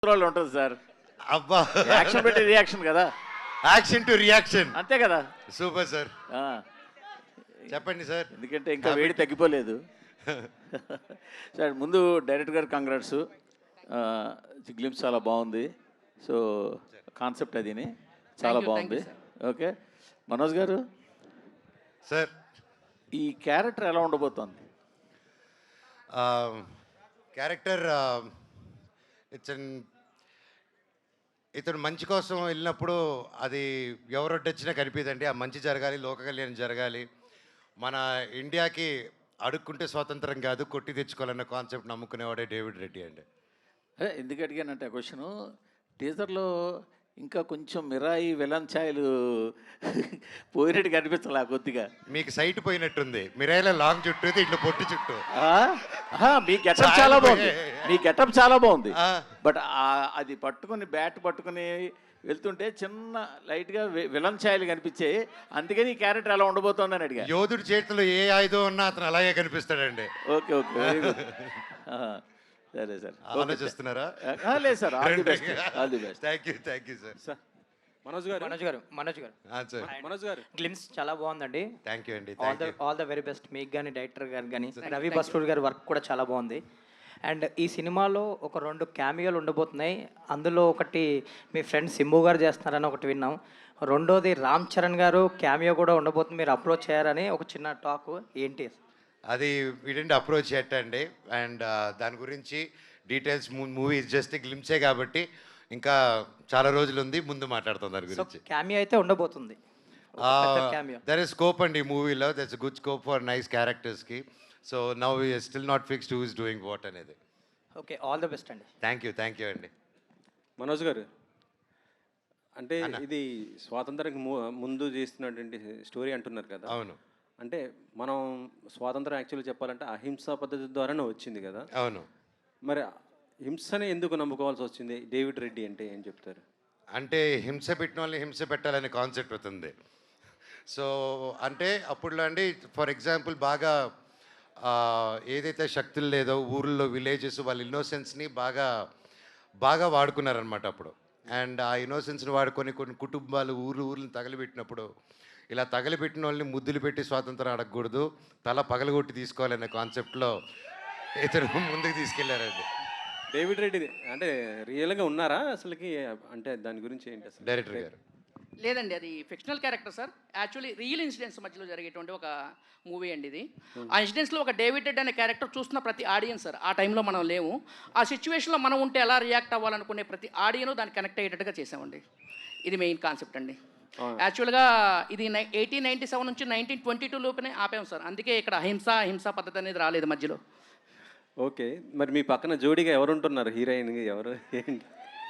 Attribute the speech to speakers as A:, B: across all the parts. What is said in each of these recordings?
A: రోజులు ఉంటుంది సార్.
B: అబ్బా,
A: యాక్షన్ పెట్టి రియాక్షన్ కదా,
B: యాక్షన్ టు రియాక్షన్.
A: అంతే కదా.
B: సూపర్ సార్,
A: ఆ,
B: చెప్పండి సార్.
A: ఎందుకంటే ఇంకా వేడి తగ్గిపోలేదు. సార్ ముందు డైరెక్టర్ గారు కంగ్రాట్స్, గ్లిమ్స్ చాలా బాగుంది. సో కాన్సెప్ట్ అదిని చాలా బాగుంది. ఓకే మనోజ్ గారు,
B: సార్
A: ఈ క్యారెక్టర్ ఎలా ఉండబోతోంది?
B: క్యారెక్టర్ ఇతను మంచి కోసం వెళ్ళినప్పుడు అది ఎవరొడ్డొచ్చినా కనిపిదండి. ఆ మంచి జరగాలి, లోక కళ్యాణం జరగాలి, మన ఇండియాకి అడుక్కుంటే స్వాతంత్రం కాదు కొట్టి తెచ్చుకోవాలన్న కాన్సెప్ట్ నమ్ముకునేవాడే డేవిడ్ రెడ్డి అండి.
A: అదే ఎందుకు అడిగానంటే ఆ క్వశ్చను, టీజర్లో ఇంకా కొంచెం మిరాయి విలన్ ఛాయలు పోయినట్టు కనిపించాలి ఆ కొద్దిగా.
B: మీకు సైట్ పోయినట్టుంది, మిరాయిల లాంగ్ చుట్టూ ఇట్లా పొట్టి చుట్టూ.
A: మీ గెటప్ చాలా బాగుంది, మీ గెటప్ చాలా బాగుంది.
B: ఆ.
A: బట్ అది పట్టుకుని బ్యాట్ పట్టుకుని వెళ్తుంటే చిన్న లైట్గా విలన్ ఛాయలు కనిపించాయి. అందుకని ఈ క్యారెక్టర్ ఎలా ఉండబోతోందని అడిగా.
B: యోధుడి చేతిలో ఏ ఆయుధం ఉన్నా అతను అలాగే కనిపిస్తాడండి.
A: Okay okay very good. సరే సార్,
B: ఆలోచిస్తున్నారా?
A: లేదు sir, all the best, all the best.
B: Thank you sir.
C: Manoj గారు గ్లిమ్స్ చాలా బాగుందండి.
B: థ్యాంక్ యూ అండి.
C: ఆల్ ద వెరీ బెస్ట్ మీకు కానీ డైరెక్టర్ గారు కానీ రవి బస్టూర్ గారి వర్క్ కూడా చాలా బాగుంది. అండ్ ఈ సినిమాలో ఒక 2 క్యామియోలు ఉండబోతున్నాయి. అందులో ఒకటి మీ ఫ్రెండ్ సింబు గారు చేస్తున్నారని ఒకటి విన్నాం. రెండోది రామ్ చరణ్ గారు క్యామియో కూడా ఉండబోతుంది, మీరు అప్రోచ్ చేయారని ఒక చిన్న టాక్ ఏంటి?
B: అది వీడండి అప్రోచ్ చేయటండి. అండ్ దాని గురించి డీటెయిల్స్ మూవీ జస్ట్ గ్లిమ్సే కాబట్టి ఇంకా చాలా రోజులు ఉంది, ముందు మాట్లాడుతాం దాని గురించి.
C: క్యామియో అయితే ఉండబోతుంది.
B: దర్ ఇస్ స్కోప్ అండి ఈ మూవీలో, that's good scope for nice క్యారెక్టర్స్కి. So now we're still not fixed who is doing what అనేది.
C: ఓకే, ఆల్ ద బెస్ట్ అండి.
B: థ్యాంక్ యూ అండి.
D: మనోజ్ గారు, అంటే ఇది స్వాతంత్రానికి ముందు చేస్తున్నటువంటి స్టోరీ అంటున్నారు కదా.
B: అవును.
D: అంటే మనం స్వాతంత్రం యాక్చువల్గా చెప్పాలంటే అహింసా పద్ధతి ద్వారానే వచ్చింది కదా.
B: అవును.
D: మరి హింసనే ఎందుకు నమ్ముకోవాల్సి వచ్చింది? డేవిడ్ రెడ్డి అంటే ఏం చెప్తారు?
B: అంటే హింస పెట్టిన వాళ్ళని హింస పెట్టాలనే కాన్సెప్ట్ అవుతుంది. సో అంటే అప్పుడులో అండి ఫర్ ఎగ్జాంపుల్ బాగా ఏదైతే శక్తులు లేదో ఊర్లో విలేజెస్ వాళ్ళ ఇన్నోసెన్స్ని బాగా వాడుకున్నారనమాట అప్పుడు. అండ్ ఆ ఇన్నోసెన్స్ని వాడుకొని కొన్ని కుటుంబాలు ఊర్లను తగలబెట్టినప్పుడు ఇలా తగలబెట్టిన వాళ్ళని ముద్దులు పెట్టి స్వాతంత్రం అడగకూడదు, తల పగలగొట్టి తీసుకోవాలనే కాన్సెప్ట్లో ఇతను ముందుకు తీసుకెళ్లారండి.
D: డేవిడ్ రెడ్డి అంటే రియల్గా ఉన్నారా అసలుకి? అంటే దాని గురించి ఏంటి అసలు?
B: డైరెక్టర్ గారు
E: లేదండి, అది fictional character sir. Actually real incidents మధ్యలో జరిగేటువంటి ఒక మూవీ అండి ఇది. ఆ ఇన్సిడెంట్స్లో ఒక డేవిడ్ రెడ్ అనే క్యారెక్టర్ చూస్తున్న ప్రతి ఆడియన్స్ సార్, ఆ టైంలో మనం లేము, ఆ సిచ్యువేషన్లో మనం ఉంటే ఎలా రియాక్ట్ అవ్వాలనుకునే ప్రతి ఆడియన్ దాన్ని కనెక్ట్ అయ్యేటట్టుగా చేసామండి. ఇది మెయిన్ కాన్సెప్ట్ అండి. యాక్చువల్గా ఇది 1897 నుంచి 1922 లోపునే ఆపాం సార్. అందుకే ఇక్కడ హింసా పద్ధతి అనేది రాలేదు మధ్యలో.
D: ఓకే, మరి మీ పక్కన జోడీగా ఎవరు ఉంటున్నారు? హీరోయిన్ ఎవరు ఏంటి?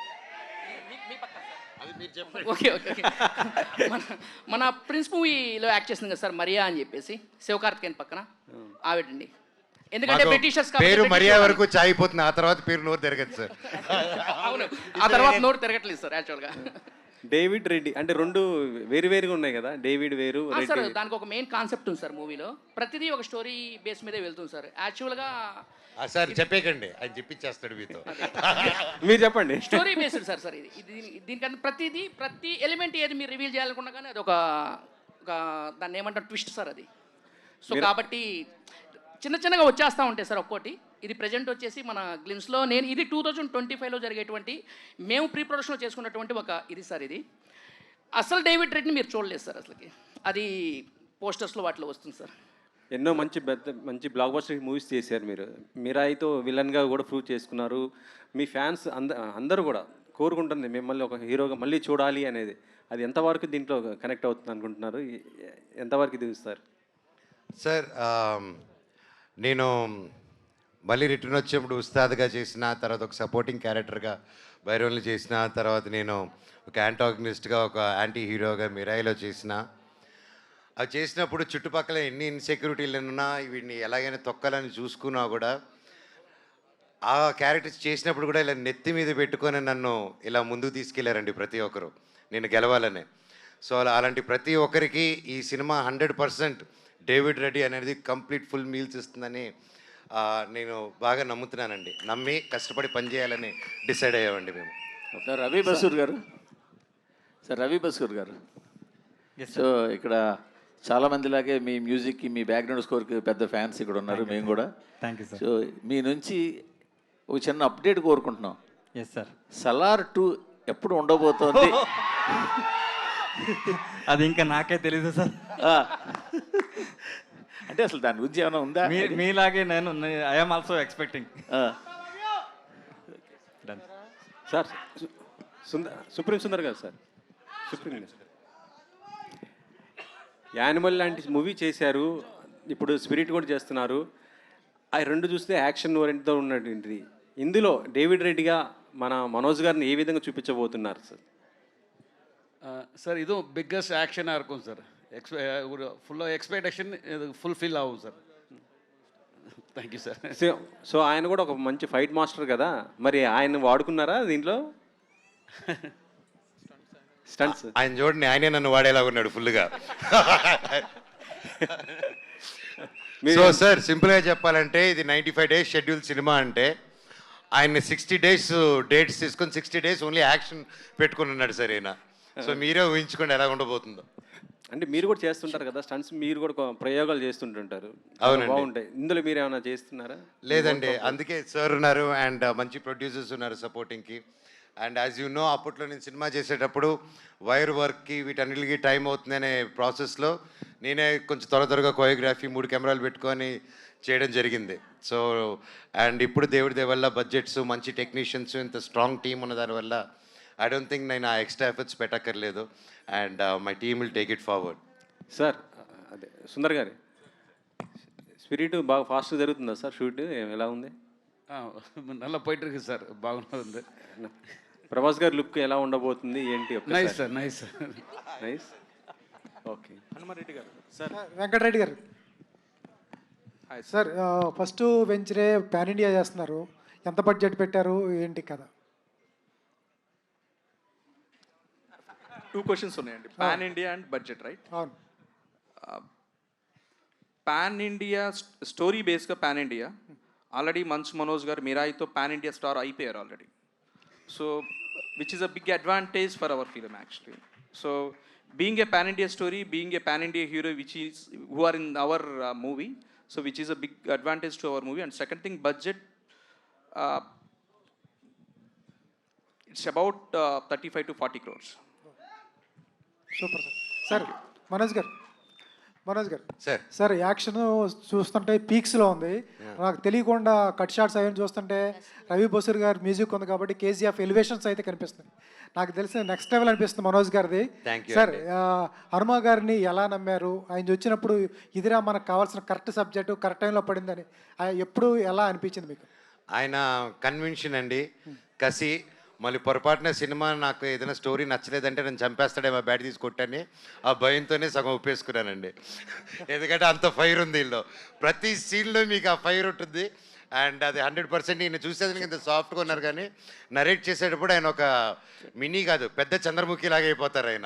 E: ఓకే ఓకే మన ప్రిన్స్ మూవీలో యాక్ట్ చేసింది కదా సార్, మరియా అని చెప్పేసి, శివకార్తికేయన్ పక్కన ఆవిడండి. ఎందుకంటే బ్రిటిషర్స్
B: పేరు మరియా వరకు చాయిపోతుంది, ఆ తర్వాత పేరు నోరు తిరగదు సార్.
E: అవును, ఆ తర్వాత నోరు తిరగట్లేదు సార్ యాక్చువల్గా.
D: డేవిడ్ రెడ్డి అంటే 2 వేరుగా ఉన్నాయి కదా, డేవిడ్ వేరు
E: సార్. దానికి ఒక మెయిన్ కాన్సెప్ట్ ఉంది సార్ మూవీలో, ప్రతిదీ ఒక స్టోరీ బేస్ మీదే వెళ్తుంది సార్. యాక్చువల్గా
B: సార్ చెప్పేకండి, ఆయన చెప్పించేస్తాడు మీతో.
D: మీరు చెప్పండి.
E: స్టోరీ బేస్డ్ సార్ ఇది దీనికన్నా ప్రతి ఎలిమెంట్ ఏది మీరు రివీల్ చేయాలనుకున్నా కానీ అది ఒక దాన్ని ఏమంటారు ట్విస్ట్ సార్ అది. సో కాబట్టి చిన్నగా వచ్చేస్తూ ఉంటాయి సార్ ఒక్కోటి. ఇది ప్రజెంట్ వచ్చేసి మన గ్లిమ్స్లో ఇది 2025లో జరిగేటువంటి మేము ప్రీ ప్రొడక్షన్లో చేసుకున్నటువంటి ఒక ఇది సార్. ఇది అసలు డేవిడ్ రెడ్ని మీరు చూడలేదు సార్ అసలుకి, అది పోస్టర్స్లో వాటిలో వస్తుంది సార్.
D: ఎన్నో మంచి బ్లాక్ బస్టర్ మూవీస్ చేశారు మీరు. మిరాయితో విలన్గా కూడా ప్రూవ్ చేసుకున్నారు. మీ ఫ్యాన్స్ అందరూ కూడా కోరుకుంటుంది మిమ్మల్ని ఒక హీరోగా మళ్ళీ చూడాలి అనేది. అది ఎంతవరకు దీంట్లో కనెక్ట్ అవుతుంది అనుకుంటున్నారు? ఎంతవరకు దిగుస్తారు
B: సార్? నేను మళ్ళీ రిటర్న్ వచ్చేప్పుడు ఉస్తాద్గా చేసిన తర్వాత ఒక సపోర్టింగ్ క్యారెక్టర్గా బైరోన్లు చేసిన తర్వాత నేను ఒక యాంటాగనిస్ట్గా ఒక యాంటీ హీరోగా మిరాయిలో చేసిన. అవి చేసినప్పుడు చుట్టుపక్కల ఎన్ని ఇన్సెక్యూరిటీలు ఉన్నా వీడిని ఎలాగైనా తొక్కాలని చూసుకున్నా కూడా ఆ క్యారెక్టర్స్ చేసినప్పుడు కూడా ఇలా నెత్తి మీద పెట్టుకొని నన్ను ఇలా ముందుకు తీసుకెళ్లారండి ప్రతి ఒక్కరు, నేను గెలవాలనే. సో అలాంటి ప్రతి ఒక్కరికి ఈ సినిమా 100% డేవిడ్ రెడ్డి అనేది కంప్లీట్ ఫుల్ మీల్స్ ఇస్తుందని నేను బాగా నమ్ముతున్నానండి. నమ్మి కష్టపడి పని చేయాలని డిసైడ్ అయ్యామండి మేము.
A: సార్ రవి బసూర్ గారు, సో ఇక్కడ చాలా మందిలాగే మీ మ్యూజిక్కి, మీ బ్యాక్గ్రౌండ్ స్కోర్కి పెద్ద ఫ్యాన్స్ ఇక్కడ ఉన్నారు, మేము కూడా.
F: Thank you sir.
A: సో మీ నుంచి ఒక చిన్న అప్డేట్ కోరుకుంటున్నాం.
F: Yes sir.
A: సలార్ 2 ఎప్పుడు ఉండబోతోంది?
F: అది ఇంకా నాకే తెలీదు సార్.
A: ఆ. అంటే అసలు దాని గురించి ఏమైనా ఉందా?
F: మీలాగే నేను I'm also expecting.
D: Sir supreme Sundar గారు సార్, యానిమల్ లాంటి మూవీ చేశారు, ఇప్పుడు స్పిరిట్ కూడా చేస్తున్నారు. ఆ రెండు చూస్తే యాక్షన్ ఓరియంట్తో ఉన్నటువంటిది. ఇందులో డేవిడ్ రెడ్డిగా మన మనోజ్ గారిని ఏ విధంగా చూపించబోతున్నారు సార్?
G: ಸರ್ ಇದು ಬಿಗ್ಗೆಸ್ಟ್ ಆ್ಯಕ್ಷನ್ இருக்கும் ಸರ್. ஒரு ஃபுல்லாக எக்ஸ்பெக்டேஷன் இது ஃபுல்ஃபில் ஆகும் sir. Thank you sir.
D: So ఆయన కూడా ఒక మంచి ఫైట్ మాస్టర్ కదా, మరి ఆయన వాడుకున్నారా దీంట్లో స్టంట్స్?
B: ఆయన చూడండి, ఆయనే నన్ను వాడేలా ఉన్నాడు ఫుల్గా. సో సార్ సింపుల్గా చెప్పాలంటే ఇది 95 days షెడ్యూల్ సినిమా. అంటే ఆయన 60 days డేట్స్ తీసుకొని 60 days ఓన్లీ యాక్షన్ పెట్టుకుని ఉన్నాడు సార్ ఈయన. సో మీరే ఊహించుకోండి ఎలా ఉండబోతుందో.
D: అంటే మీరు కూడా చేస్తుంటారు కదా స్టంట్స్, మీరు కూడా ప్రయోగాలు చేస్తుంటుంటారు.
B: అవునండి.
D: బాగుంటాయి. ఇందులో మీరు ఏమైనా చేస్తున్నారా?
B: లేదండి, అందుకే సార్ ఉన్నారు అండ్ మంచి ప్రొడ్యూసర్స్ ఉన్నారు సపోర్టింగ్కి. అండ్ యాజ్ యూ నో, అప్పట్లో నేను సినిమా చేసేటప్పుడు వైర్ వర్క్కి వీటన్నిటికి టైం అవుతుందనే ప్రాసెస్లో నేనే కొంచెం త్వరగా కోరియోగ్రఫీ 3 కెమెరాలు పెట్టుకొని చేయడం జరిగింది. సో అండ్ ఇప్పుడు దేవుడి దయ వల్ల బడ్జెట్స్, మంచి టెక్నీషియన్స్, ఇంత స్ట్రాంగ్ టీమ్ ఉన్న దానివల్ల ఐ డోంట్ థింక్ నేను ఆ ఎక్స్ట్రా ఎఫర్ట్స్ పెట్టక్కర్లేదు. And my team will take it forward.
D: Sir అదే సుందర్ గారి స్పిరిట్ బాగా ఫాస్ట్ జరుగుతుందా సార్? షూట్ ఎలా ఉంది?
G: நல்லா போயிட்டு இருக்கு சார், బాగుంది.
D: ప్రభాస్ గారి లుక్ ఎలా ఉండబోతుంది ఏంటి?
G: Nice sir, nice
D: nice. Okay.
F: Hanumareddy గారు సార్.
H: వెంకటరెడ్డి గారు సార్, ఫస్ట్ వెంచరే పాన్ ఇండియా చేస్తున్నారు, ఎంత బడ్జెట్ పెట్టారు ఏంటి కదా?
I: 2 questions ఉన్నాయండి. Pan India and budget, right?
H: అవును.
I: పాన్ ఇండియా స్టోరీ బేస్గా pan India already Manchu Manoj గారు మిరాయితో పాన్ ఇండియా స్టార్ అయిపోయారు already. So which is a big advantage for our film actually. So being a pan India story, being a pan India hero which is who are in our movie, so which is a big advantage to our movie. And second thing, budget it's about 35 to 40 crores.
H: Super sir. Sir Manoj గారు
B: sir
H: sir, action చూస్తుంటే పీక్స్లో ఉంది. నాకు తెలియకుండా cut shots అవన్నీ చూస్తుంటే రవి బసూర్ గారి music ఉంది కాబట్టి కేజీఎఫ్ ఎలివేషన్స్ అయితే కనిపిస్తుంది. నాకు తెలిసిన నెక్స్ట్ లెవెల్ అనిపిస్తుంది మనోజ్ గారిది. సార్, హనుమ గారిని ఎలా నమ్మారు? ఆయన వచ్చినప్పుడు ఇదిరా మనకు కావాల్సిన కరెక్ట్ సబ్జెక్టు కరెక్ట్ టైంలో పడిందని ఎప్పుడు ఎలా అనిపించింది మీకు?
B: ఆయన కన్విన్షన్ అండి, కసి. మళ్ళీ పొరపాటున సినిమా నాకు ఏదైనా స్టోరీ నచ్చలేదంటే నేను చంపేస్తాడేమో బ్యాట్ తీసి కొట్టని ఆ భయంతోనే సగం ఒప్పేసుకున్నానండి. ఎందుకంటే అంత ఫైర్ ఉంది వీళ్ళు, ప్రతి సీన్లో మీకు ఆ ఫైర్ ఉంటుంది. అండ్ అది 100% ఈయన చూసేదానికి ఇంత సాఫ్ట్గా ఉన్నారు, కానీ నరేట్ చేసేటప్పుడు ఆయన ఒక మినీ కాదు పెద్ద చంద్రముఖి లాగా అయిపోతారు ఆయన.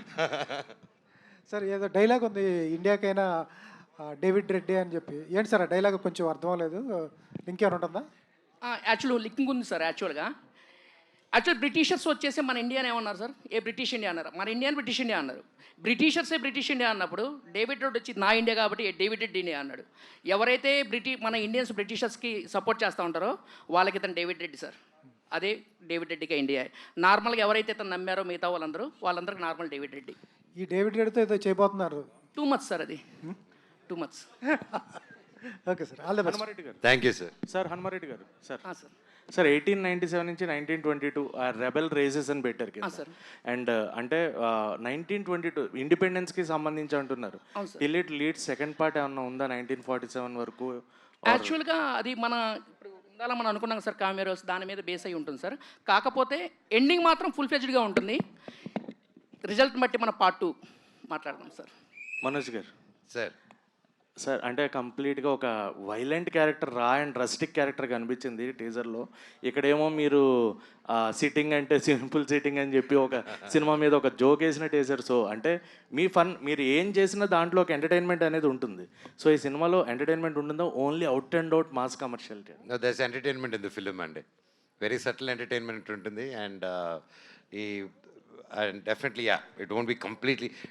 H: సార్, ఏదో డైలాగ్ ఉంది ఇండియాకైనా డేవిడ్ రెడ్డి అని చెప్పి, ఏంటి సార్ ఆ డైలాగ్? కొంచెం అర్థం అవ్వలేదు, ఇంకేమైనా ఉంటుందా?
E: యాక్చువల్ లింకింగ్ ఉంది సార్. యాక్చువల్ బ్రిటిషర్స్ వచ్చేసి మన ఇండియాని ఏమన్నారు సార్? ఏ బ్రిటిష్ ఇండియా అన్నారు, మన ఇండియాని బ్రిటిష్ ఇండియా అన్నారు. బ్రిటిషర్సే బ్రిటిష్ ఇండియా అన్నప్పుడు డేవిడ్ రెడ్డి వచ్చి నా ఇండియా కాబట్టి డేవిడ్ రెడ్డి ఇండియా అన్నాడు. ఎవరైతే మన ఇండియన్స్ బ్రిటిషర్స్కి సపోర్ట్ చేస్తూ ఉంటారో వాళ్ళకి ఇతను డేవిడ్ రెడ్డి సార్. అదే డేవిడ్ రెడ్డికి ఇండియా. నార్మల్గా ఎవరైతే ఇతను నమ్మారో మిగతా వాళ్ళందరికీ నార్మల్ డేవిడ్ రెడ్డి.
H: ఈ డేవిడ్ రెడ్డితో ఏదో చేయబోతున్నారు.
E: 2 months సార్, అది 2 months.
H: Okay sir, all the best.
F: Hanumareddy గారు
B: thank you sir.
F: Sir. Hanumareddy గారు సార్.
E: సార్
F: సార్ 1897 నుంచి 1922 రెబెల్ రేసెస్ అని పెట్టారు కదా
E: సార్.
F: అండ్ అంటే 1922 ఇండిపెండెన్స్కి సంబంధించి అంటున్నారు. Till it lead second part ఏమన్నా ఉందా 1947 వరకు?
E: యాక్చువల్గా అది మన ఇప్పుడు ఉండాలని మనం అనుకున్నాం సార్. కామెరోస్ దాని మీద బేస్ అయి ఉంటుంది సార్. కాకపోతే ఎండింగ్ మాత్రం ఫుల్ ఫ్లెడ్జ్డ్గా ఉంటుంది. రిజల్ట్ బట్టి మన పార్ట్ 2 మాట్లాడదాం సార్.
F: మనోజ్ గారు
B: సార్,
F: సార్ అంటే కంప్లీట్గా ఒక violent character raw and rustic character కనిపించింది టీజర్లో. ఇక్కడేమో మీరు సిట్టింగ్ అంటే సింపుల్ సిట్టింగ్ అని చెప్పి ఒక సినిమా మీద ఒక జోక్ వేసినట్టు వేసారు. సో అంటే మీ ఫన్ మీరు ఏం చేసినా దాంట్లో ఒక ఎంటర్టైన్మెంట్ అనేది ఉంటుంది. సో ఈ సినిమాలో ఎంటర్టైన్మెంట్ ఉంటుందో only out and out mass commerciality?
B: That's entertainment in the film అండి. వెరీ సటిల్ ఎంటర్టైన్మెంట్ ఉంటుంది. అండ్ ఈ and definitely yeah, it won't be completely